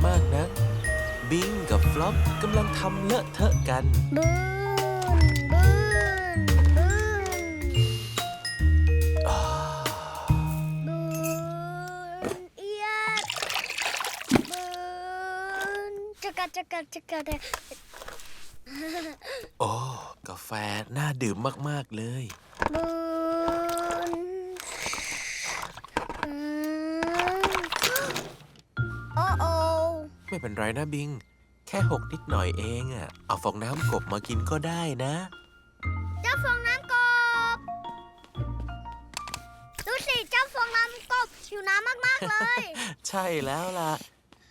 มากนะบิงกับฟลอปกำลังทำเลอะเทอะกันบืนบืนบืนบืนเอียดบืนจักรจักรจักรโอ้กาแฟน่าดื่มมากๆเลยบืนโอ้โอไม่เป็นไรนะบิงแค่หกนิดหน่อยเองอ่ะเอาฟองน้ำกบมากินก็ได้นะเจ้าฟองน้ำกบดูสิเจ้าฟองน้ำกบหิวน้ำมากๆเลยใช่แล้วล่ะ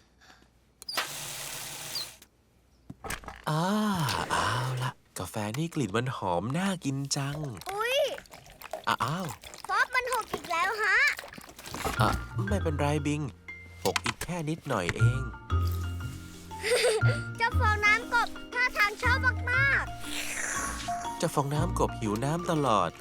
เอาล่ะกาแฟนี่กลิ่นมันหอมน่ากินจังอุ๊ยอ้าวฟอบมันหกอีกแล้วฮะไม่เป็นไรบิงหกอีกแค่นิดหน่อยเองเจ้าฟองน้ำกบท่าทางชอบมากเจ้าฟองน้ำกบหิวน้ำตลอด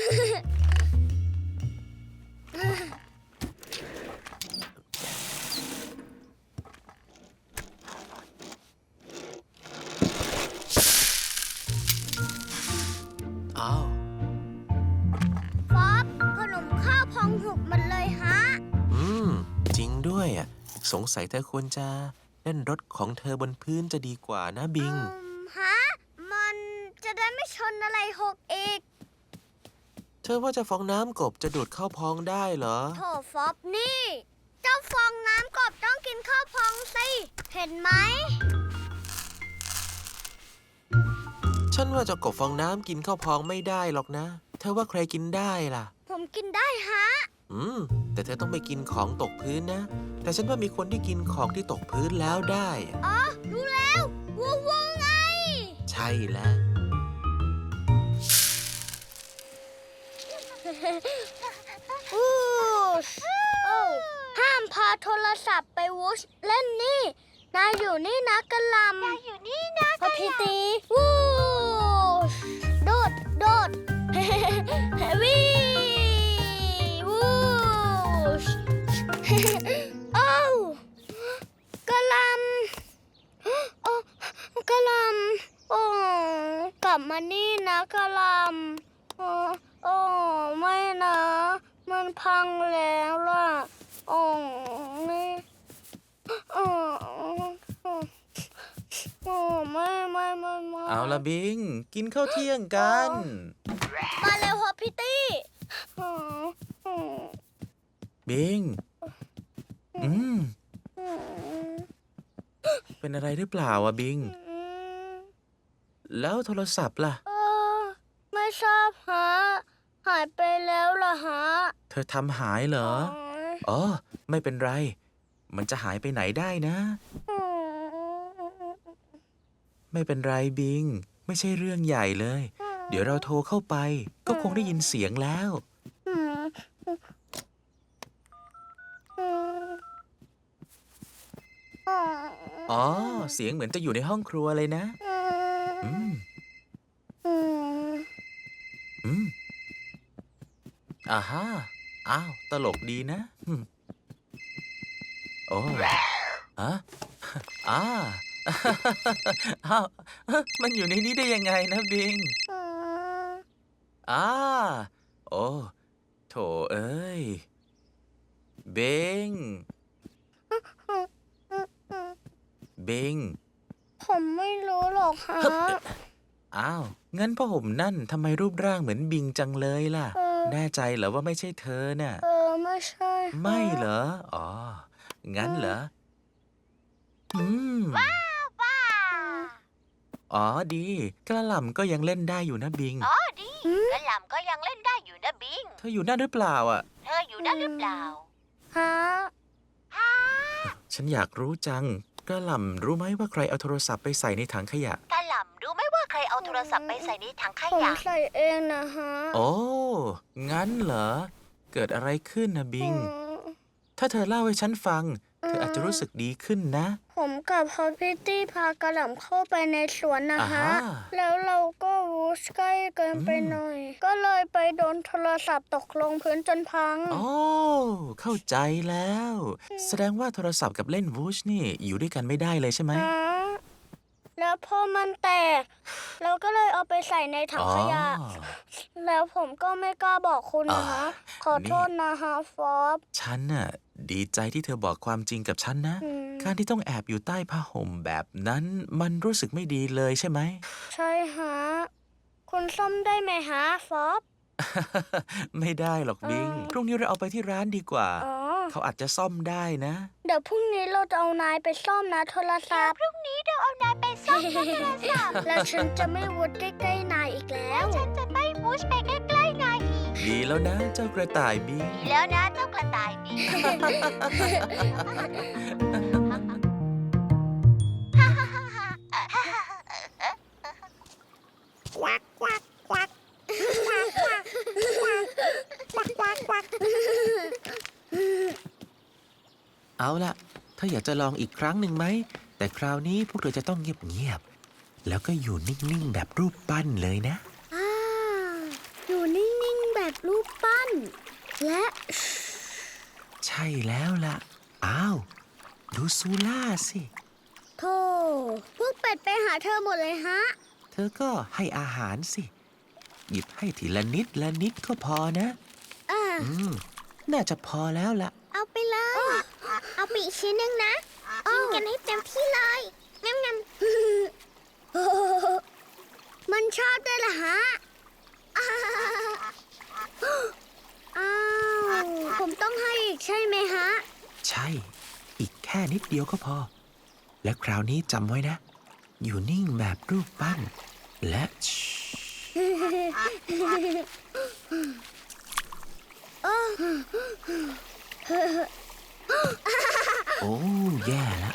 อ้าวฟอบขนมข้าวพองหกมันเลยฮะจริงด้วยอ่ะสงสัยเธอควรจะเล่นรถของเธอบนพื้นจะดีกว่านะบิงฮะมันจะได้ไม่ชนอะไรหกอีกเธอว่าเจ้าฟองน้ำกบจะดูดข้าวพองได้เหรอโถฟอบนี่ เจ้าฟองน้ำกบต้องกินข้าวพองสิเห็นไหมฉันว่าเจ้ากบฟองน้ำกินข้าวพองไม่ได้หรอกนะเธอว่าใครกินได้ล่ะผมกินได้ฮะแต่เธอต้องไปกินของตกพื้นนะแต่ฉันว่ามีคนที่กินของที่ตกพื้นแล้วได้อ๋อรู้แล้ววัวไงใช่แล้วห้ามพาโทรศัพท์ไปวูชเล่นนี่นายอยู่นี่นะกะลำนายอยู่นี่นะพอพี่ตีวูชโดดโดดวีวูชโอ้กะลำโอ้กะลำโอ้กลับมานี่นะกะลำโอ้ไม่นะมันพังแล้วล่ะโอ้ไม่โอ้ไม่เอาละบิงกินข้าวเที่ยงกันมาเร็วฮอปพิตตี้บิงเป็นอะไรหรือเปล่าอะบิงแล้วโทรศัพท์ล่ะไม่ทราบฮะหายไปแล้วล่ะฮะเธอทำหายเหรออ๋อไม่เป็นไรมันจะหายไปไหนได้นะไม่เป็นไรบิงไม่ใช่เรื่องใหญ่เลยเดี๋ยวเราโทรเข้าไปก็คงได้ยินเสียงแล้วอ๋อเสียงเหมือนจะอยู่ในห้องครัวเลยนะอ่าฮะอ้าวตลกดีนะโอ้ฮะอ้าวมันอยู่ในนี้ได้ยังไงนะบิงโอ้โถเอ้ยบิงผมไม่รู้หรอกฮะอ้าวงั้นพ่อห่มนั่นทำไมรูปร่างเหมือนบิงจังเลยล่ะแน่ใจเหรอว่าไม่ใช่เธอน่ะไม่ใช่ไม่เหรออ๋องั้นเหรอว้าวป้าอ๋อดีกระหล่ำก็ยังเล่นได้อยู่นะบิงอ๋อดีกระหล่ำก็ยังเล่นได้อยู่นะบิงเธออยู่นั่นหรือเปล่าอ่ะเธออยู่นั่นหรือเปล่าฮะฉันอยากรู้จังกระหล่ำรู้ไหมว่าใครเอาโทรศัพท์ไปใส่ในถังขยะกระหล่ำรู้ไหมว่าใครเอาโทรศัพท์ไปใส่ในถังขยะผมใส่เองนะฮะโอ้งั้นเหรอเกิดอะไรขึ้นนะบิงถ้าเธอเล่าให้ฉันฟังเธออาจจะรู้สึกดีขึ้นนะผมกับพอพิตตี้พากระหล่ำเข้าไปในสวนนะฮะอ่าฮะแล้วเราก็วูชใกล้เกินไปหน่อย ก็เลยไปโดนโทรศัพท์ตกลงพื้นจนพังอ๋อเข้าใจแล้ว แสดงว่าโทรศัพท์กับเล่นวูชนี่อยู่ด้วยกันไม่ได้เลยใช่ไหมฮะแล้วพอมันแตก เราก็เลยเอาไปใส่ในถังขยะอ๋อแล้วผมก็ไม่กล้าบอกคุณนะฮะอ่าขอโทษนะฮะฟอบฉันน่ะดีใจที่เธอบอกความจริงกับฉันนะอืมการที่ต้องแอบอยู่ใต้ผ้าห่มแบบนั้นมันรู้สึกไม่ดีเลยใช่ไหมใช่ฮะ คุณซ่อมได้ไหมฮะฟอบไม่ได้หรอกบิง พรุ่งนี้เราเอาไปที่ร้านดีกว่าอ๋อเขาอาจจะซ่อมได้นะเดี๋ยวพรุ่งนี้เราจะเอานายไปซ่อมนะโทรศัพท์พรุ่งนี้เราเอานายไปซ่อมนะโทรศัพท์แล้วฉันจะไม่วุดใกล้ๆนายอีกแล้วฉันจะไม่มูชไปใกล้ๆนายอีกดีแล้วนะเจ้ากระต่ายบิงดีแล้วนะเจ้ากระต่ายบิงเอาล่ะเธออยากจะลองอีกครั้งหนึ่งไหม แต่คราวนี้พวกเธอจะต้องเงียบๆ แล้วก็อยู่นิ่งๆ แบบรูปปั้นเลยนะอยู่นิ่งๆแบบรูปปั้น และใช่แล้วล่ะ อ้าว ดูซูล่าสิโธ่พวกเป็ดไปหาเธอหมดเลยฮะเธอก็ให้อาหารสิ หยิบให้ทีละนิดละนิดก็พอนะ น่าจะพอแล้วล่ะเอาไปเลย เอาไปอีกชิ้นหนึ่งนะกินกันให้เต็มที่เลยงั้นมันชอบด้วยล่ะฮะ อ้าว ผมต้องให้อีกใช่ไหมฮะใช่ อีกแค่นิดเดียวก็พอ และคราวนี้จำไว้นะ อยู่นิ่งแบบรูปปั้น และโอ้แย่แล้ว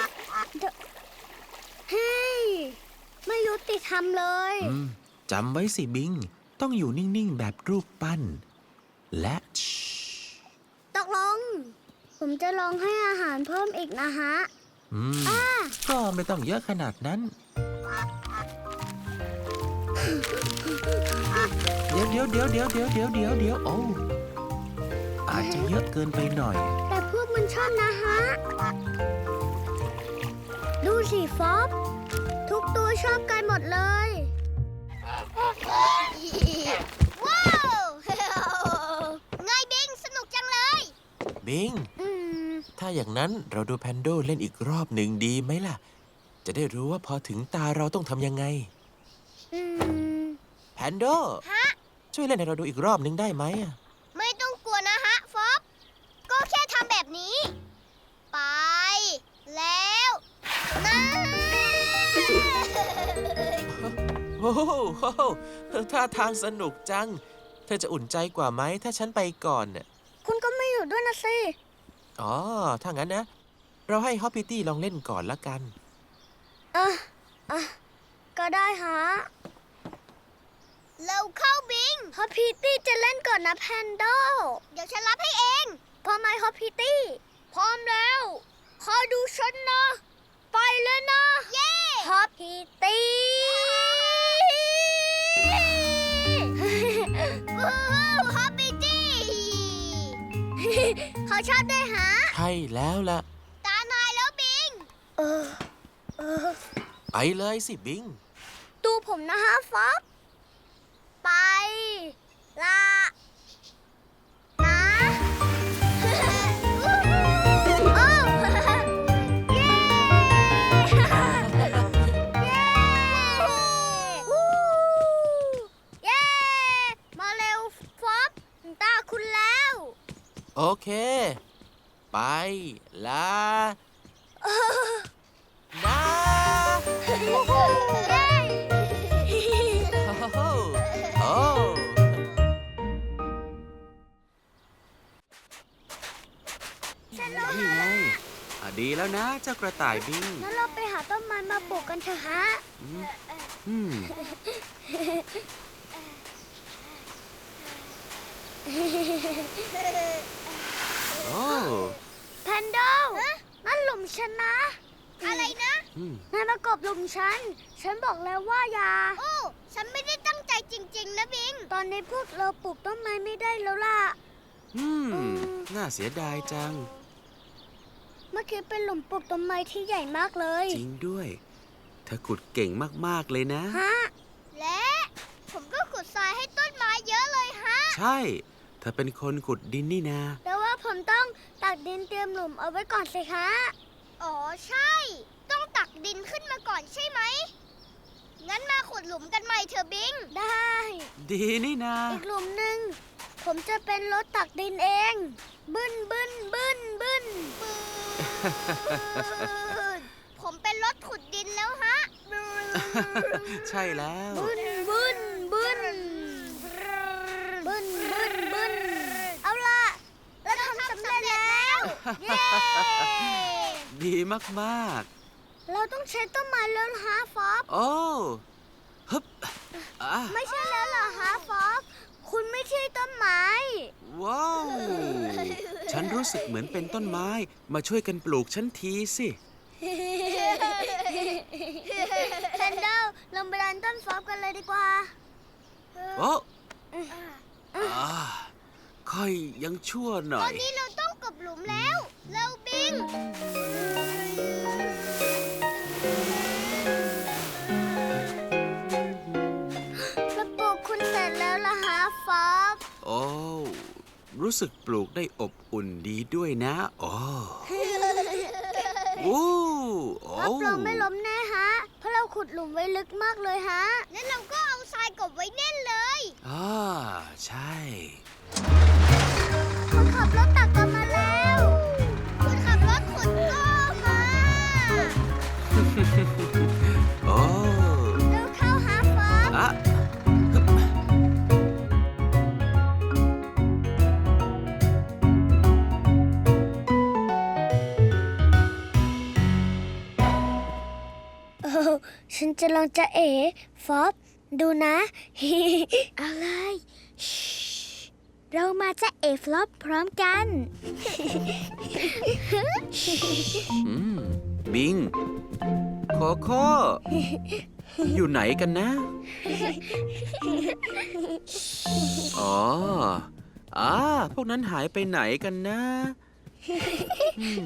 เฮ้ย ไม่ยุติธรรมเลยจำไว้สิบิง ต้องอยู่นิ่งๆ แบบรูปปั้น และตกลง ผมจะลองให้อาหารเพิ่มอีกนะฮะก็ไม่ต้องเยอะขนาดนั้น เดี๋ยวโอ้อาจจะเยอะเกินไปหน่อยแต่พวกมันชอบนะฮะ ดูสิฟอบ ทุกตัวชอบกันหมดเลย ว้าว ไงบิง สนุกจังเลยบิง ถ้าอย่างนั้นเราดูแพนโดเล่นอีกรอบหนึ่งดีไหมล่ะ จะได้รู้ว่าพอถึงตาเราต้องทำยังไง แพนโด ช่วยเล่นให้เราดูอีกรอบหนึ่งได้ไหมอะไม่ต้องกลัวนะฮะฟอบ ก็แค่ทำแบบนี้ ไป แล้วนะโอ้โหท่าทางสนุกจัง เธอจะอุ่นใจกว่าไหมถ้าฉันไปก่อนน่ะคุณก็ไม่อยู่ด้วยนะสิอ๋อ ถ้างั้นนะ เราให้ฮอปปี้ตี้ลองเล่นก่อนละกันก็ได้ฮะเราเข้าบิงฮอปพีตี้จะเล่นก่อนนะแพนโด เดี๋ยวฉันรับให้เอง พร้อมไหมฮอปพีตี้ พร้อมแล้วคอยดูฉันนะ ไปเลยนะ เย้ฮอปพีตี้ฮอปพีตี้ เขาชอบด้วยฮะใช่แล้วล่ะตานายแล้วบิงไปเลยสิบิงดูผมนะฮะฟ็อกไปละนะโอ้เย้เย้เย้มาเร็วฟ็อกถึงตาคุณแล้วโอเค ไปละนะเย้โอ้ นี่ไงดีแล้วนะเจ้ากระต่ายบิงงั้นเราไปหาต้นไม้มาปลูกกันเถอะฮะโอ้แพนโดฉันนะอะไรนะนายมากบหลุมฉัน ฉันบอกแล้วว่าอย่าโอ้ ฉันไม่ได้ตั้งใจจริงๆนะบิงตอนนี้พวกเราปลูกต้นไม้ไม่ได้แล้วล่ะน่าเสียดายจังเมื่อกี้เป็นหลุมปลูกต้นไม้ที่ใหญ่มากเลยจริงด้วย เธอขุดเก่งมากๆเลยนะฮะและผมก็ขุดทรายให้ต้นไม้เยอะเลยฮะใช่ เธอเป็นคนขุดดินนี่นาแต่ว่าผมต้องตักดินเตรียมหลุมเอาไว้ก่อนสิคะอ๋อใช่ ต้องตักดินขึ้นมาก่อนใช่ไหม งั้นมาขุดหลุมกันใหม่เถอะบิงได้ดีนี่นาอีกหลุมหนึ่งผมจะเป็นรถตักดินเอง บึ้นบึ้นบึ้นบึ้นผมเป็นรถขุดดินแล้วฮะใช่แล้วบึ้นบึ้นบึ้นบึ้นบึ้นบึ้นเอาล่ะเราทำสำเร็จแล้ว เย้ดีมากเราต้องใช้ต้นไม้แล้วฮะฟอบๆ โอ้ฮึบอ่ะไม่ใช่แล้วเหรอฮะฟอบคุณไม่ใช่ต้นไม้ว้าว ฉันรู้สึกเหมือนเป็นต้นไม้ มาช่วยกันปลูกฉันทีสิแคนเดลลงไปดันต้นฟอบกันเลยดีกว่าโอ้อ่าค่อยยังชั่วหน่ตออนยนี้เราต้องกลบหลุมแล้วเร็วบิงแล้วปลูกคุณเสร็จแล้วล่ะฮะฟอบโอ้ รู้สึกปลูกได้อบอุ่นดีด้วยนะโอ้โอ้โอ้รับรองไม่ล้มแน่ฮะ เพราะเราขุดหลุมไว้ลึกมากเลยฮะงั้นเราก็เอาทรายกลบไว้แน่นเลยอ่าใช่คนขับรถตักกันมาแล้วคุณขับรถขุดก็มาโอ้เร็วเข้าฮะฟอบอะฉันจะลองจะเอ๋ฟอบดูนะ อะไร เรามาจะเอ๋ฟลอปพร้อมกันบิง โคโค่ อยู่ไหนกันนะ อ๋อพวกนั้นหายไปไหนกันนะอืม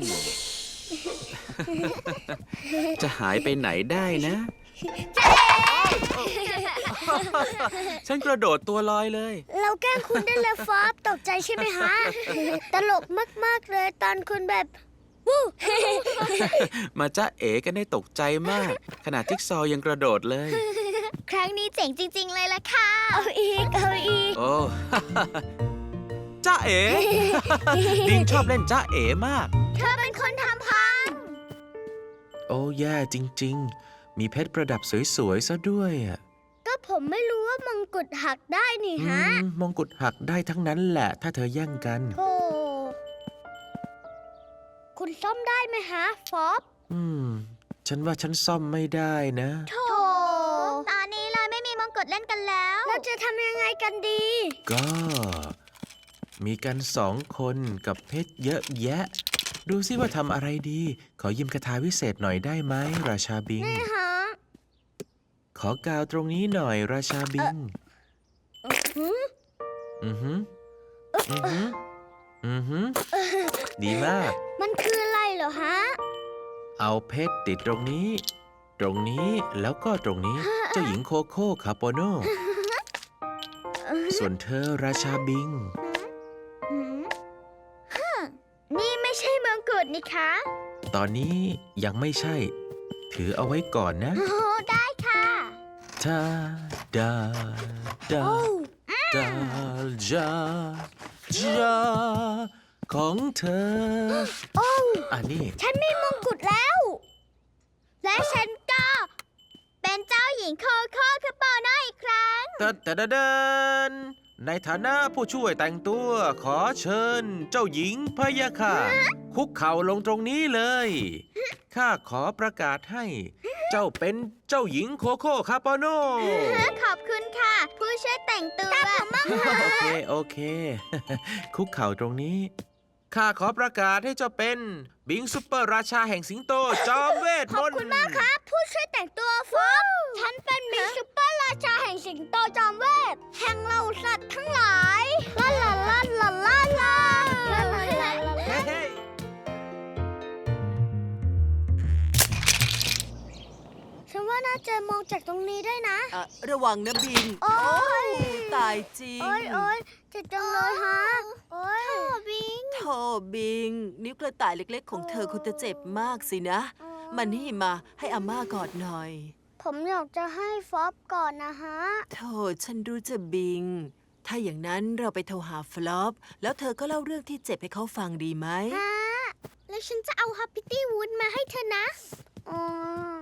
จะหายไปไหนได้นะ ฉันกระโดดตัวลอยเลยเราแกล้งคุณได้เลยฟอบตกใจใช่ไหมฮะ ตลกมากๆเลยตอนคุณแบบวู้มาจ้าเอ๋กันได้ตกใจมาก ขนาดจิ๊กซอว์ยังกระโดดเลยครั้งนี้เจ๋งจริง ๆ เลยล่ะค่ะ เอาอีก เอาอีกโอ้ จ้าเอ๋ บิงชอบเล่นจ้าเอ๋มากเธอเป็นคนทำพังโอ้แย่จริง ๆ มีเพชรประดับสวยๆซะด้วยอ่ะก็ผมไม่รู้ว่ามงกุฎหักได้นี่ฮะมงกุฎหักได้ทั้งนั้นแหละ ถ้าเธอแย่งกันโธ่คุณซ่อมได้ไหมฮะ ฟอบฉันว่าฉันซ่อมไม่ได้นะโธ่ตอนนี้เลยไม่มีมงกุฎเล่นกันแล้วเราจะทำยังไงกันดีก็ มีกัน2 คนกับเพชรเยอะแยะ ดูซิว่าทำอะไรดี ขอยืมคาถาวิเศษหน่อยได้ไหมราชาบิงนี่ฮะขอกาวตรงนี้หน่อยราชาบิงหืมอือหืออือหืออือหือดีมากมันคืออะไรเหรอฮะเอาเพชรติดตรงนี้ ตรงนี้แล้วก็ตรงนี้ เจ้าหญิงโคโค่คาโปโน ส่วนเธอราชาบิงนี่ไม่ใช่มงกุฎนี่คะตอนนี้ยังไม่ใช่ ถือเอาไว้ก่อนนะโอ้ได้ค่ะทาดาดาโอ้ดาจาจาของเธอโอ้อันนี้ฉันมีมงกุฎแล้ว และฉันก็เป็นเจ้าหญิงโคโค่คาโปโนอีกครั้งเดินในฐานะผู้ช่วยแต่งตัวขอเชิญ เจ้าหญิงพะยะค่ะ คุกเข่าลงตรงนี้เลย ข้าขอประกาศให้ เจ้าเป็นเจ้าหญิงโคโค่คาโปโนขอบคุณค่ะ ผู้ช่วยแต่งตัวตามผมบ้างโอเค คุกเข่าตรงนี้ข้าขอประกาศให้เจ้าเป็นบิงซุปเปอร์ราชาแห่งสิงโตจอมเวทขมอบนต์คุณมากครับ ผู้ช่วยแต่งตัวฟอบฉันเป็นมิสซุปเปอร์ราชาแห่งสิงโตจอมเวท แห่งเหล่าสัตว์ทั้งหลายลาลาลาลาลาลาลาลาลาเฮ้ยฉันว่าน่าจะมองจากตรงนี้ได้นะระวังนะบิงโอ๊ยตายจริงโอ๊ยโอ๊ยเจ็บจังเลยฮะ โอ๊ยบิงโธ่บิง นิ้วกระต่ายเล็กๆของเธอคงจะเจ็บมากสินะ มานี่มาให้อาม่ากอดหน่อยผมอยากจะให้ฟอบก่อนนะฮะโธ่ฉันรู้จะบิง ถ้าอย่างนั้นเราไปโทรหาฟลอป แล้วเธอก็เล่าเรื่องที่เจ็บให้เขาฟังดีไหมฮะแล้วฉันจะเอาฮัปปี้ตี้วูดมาให้เธอนะอืม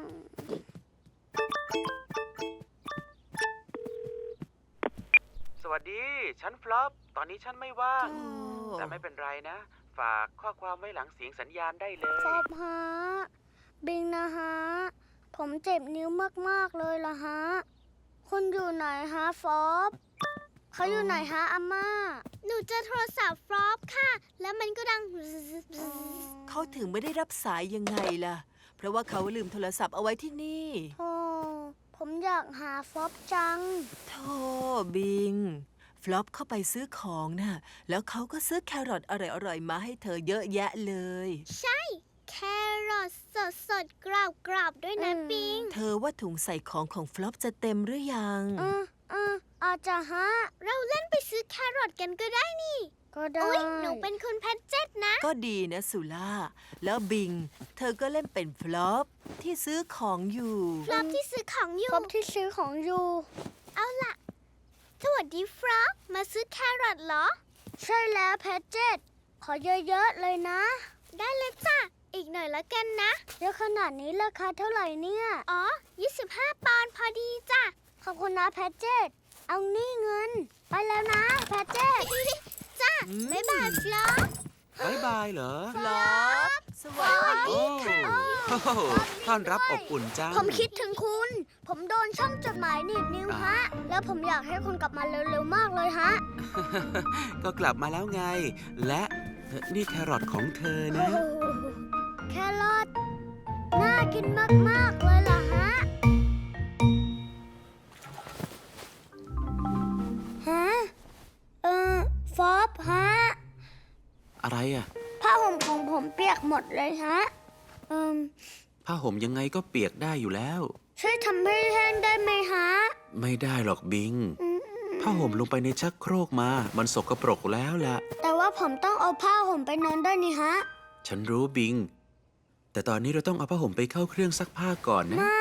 สวัสดี ฉันฟลอป ตอนนี้ฉันไม่ว่างโอ้แต่ไม่เป็นไรนะ ฝากข้อความไว้หลังเสียงสัญญาณได้เลยฟอบฮะ บิงนะฮะ ผมเจ็บนิ้วมากๆเลยล่ะฮะ คุณอยู่ไหนฮะฟอบเขาอยู่ไหนฮะอาม่าหนูเจอโทรศัพท์ฟลอปค่ะ แล้วมันก็ดังเขาถึงไม่ได้รับสายยังไงล่ะ เพราะว่าเขาลืมโทรศัพท์เอาไว้ที่นี่โธ่ผมอยากหาฟอบจังโธ่บิง ฟลอปเข้าไปซื้อของน่ะ แล้วเขาก็ซื้อแครอทอร่อยๆมาให้เธอเยอะแยะเลยใช่ แครอทสดๆ กรอบๆ ด้วยนะอืมปิงเธอว่าถุงใส่ของของฟลอปจะเต็มหรือยังอาจจะฮะเราเล่นไปซื้อแครอทกันก็ได้นี่ก็ได้อุ๊ย หนูเป็นคุณแพทเจ็ตนะก็ดีนะสุล่า แล้วบิง เธอก็เล่นเป็นฟลอปที่ซื้อของอยู่ฟลอปที่ซื้อของอยู่ฟอบที่ซื้อของอยู่เอาล่ะ สวัสดีฟลอปมาซื้อแครอทเหรอใช่แล้วแพทเจ็ตขอเยอะๆเลยนะได้เลยจ้ะ อีกหน่อยละกันนะเยอะขนาดนี้ราคาเท่าไหร่เนี่ยอ๋อ 25 ปอนด์พอดีจ้ะขอบคุณนะแพทเจ็ตเอานี่เงิน ไปแล้วนะแพทเจ็ตจ้ะอืมบ๊ายบายฟลอปบ๊ายบายเหรอฟลอปสวัสดีโอ้โหต้อนรับอบอุ่นจังผมคิดถึงคุณ ผมโดนช่องจดหมายหนีบนิ้วฮะ แล้วผมอยากให้คุณกลับมาเร็วๆมากเลยฮะก็กลับมาแล้วไง และนี่แครอทของเธอนะแครอทน่ากินมากๆเลยล่ะฮะ ฮะ ฟอบฮะอะไรอ่ะผ้าห่มของผมเปียกหมดเลยฮะผ้าห่มยังไงก็เปียกได้อยู่แล้วช่วยทำให้แห้งได้ไหมฮะไม่ได้หรอกบิง ผ้าห่มลงไปในชักโครกมา มันสกปรกแล้วล่ะแต่ว่าผมต้องเอาผ้าห่มไปนอนด้วยนี่ฮะฉันรู้บิง แต่ตอนนี้เราต้องเอาผ้าห่มไปเข้าเครื่องซักผ้าก่อนนะไม่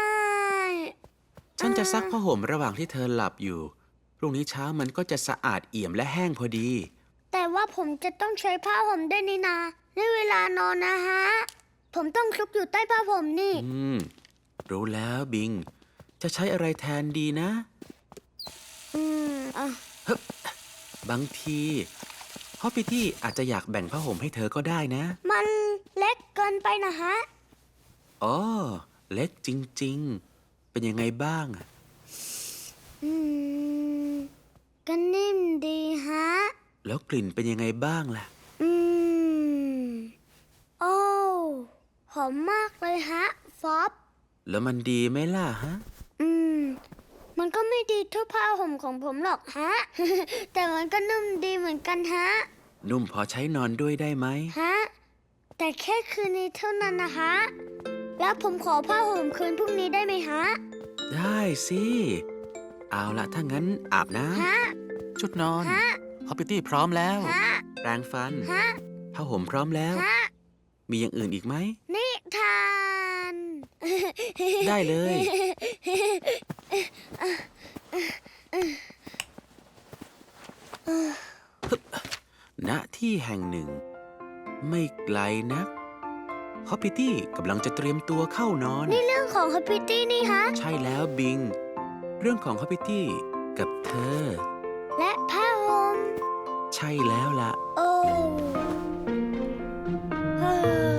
ฉันจะซักผ้าห่มระหว่างที่เธอหลับอยู่ พรุ่งนี้เช้ามันก็จะสะอาดเอี่ยมและแห้งพอดีแต่ว่าผมจะต้องใช้ผ้าห่มด้วยนี่นาในเวลานอนนะฮะ ผมต้องซุกอยู่ใต้ผ้าห่มนี่รู้แล้วบิง จะใช้อะไรแทนดีนะอ่ะบางทีฮอปปี้ที่อาจจะอยากแบ่งผ้าห่มให้เธอก็ได้นะมันเล็กเกินไปนะฮะอ๋อ เล็กจริงๆ เป็นยังไงบ้างอะก็นิ่มดีฮะแล้วกลิ่นเป็นยังไงบ้างล่ะโอ้หอมมากเลยฮะ ฟอบแล้วมันดีไหมล่ะฮะมันก็ไม่ดีเท่าผ้าห่มของผมหรอกฮะ แต่มันก็นุ่มดีเหมือนกันฮะนุ่มพอใช้นอนด้วยได้ไหมฮะ แต่แค่คืนนี้เท่านั้นนะฮะ แล้วผมขอผ้าห่มคืนพรุ่งนี้ได้ไหมฮะได้สิ เอาละถ้างั้นอาบน้ฮะำชุดนอนฮะฮอปปี้ตี้พร้อมแล้วฮะแปรงฟันฮะผ้าห่มพร้อมแล้วฮะมีอย่างอื่นอีกไหมนิทานได้เลย ณที่แห่งหนึ่ง ไม่ไกลนักฮอปปี้ตี้กำลังจะเตรียมตัวเข้านอนนี่เรื่องของฮัปปี้ตี้นี่ฮะใช่แล้วบิง เรื่องของฮอปปี้ตี้กับเธอและผ้าห่มใช่แล้วล่ะโอ้เฮ้อ